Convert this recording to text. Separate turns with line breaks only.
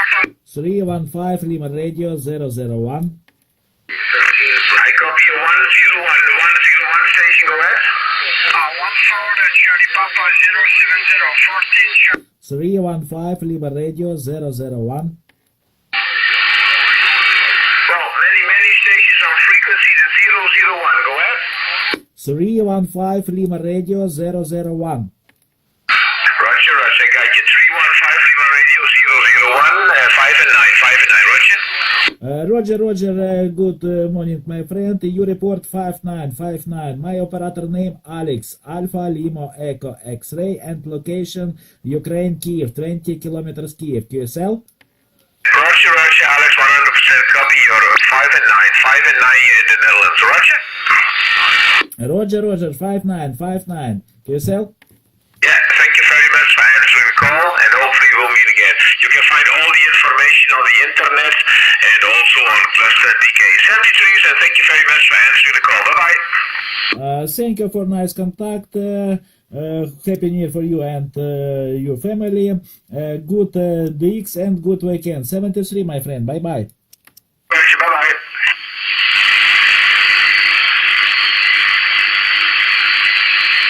315 Lima Radio 001.
I copy you 101. The 101 station, go ahead.
14 Charlie Papa 070 14
315 Lima Radio 001.
Well, many stations on frequency the 001, go ahead.
315 Lima Radio 001.
Roger, I got you. 315 Lima Radio 001, 5 and 9, 5 and 9, Roger.
Roger, good morning, my friend. You report 5959. My operator name Alex, Alpha Lima Echo X-ray, and location Ukraine, Kiev, 20 kilometers Kiev. QSL?
Roger, Alex, 100% copy. You're 5 and 9 in the Netherlands, Roger?
Roger, 5959. QSL?
Yeah, thank you very much for answering the call, and hopefully we'll meet again. You can find all the information on the internet and also on Cluster DK73, and thank you very much for answering the call. Bye-bye.
Thank you for nice contact. Happy New Year for you and your family. Good DX and good weekend. 73, my friend. Bye-bye.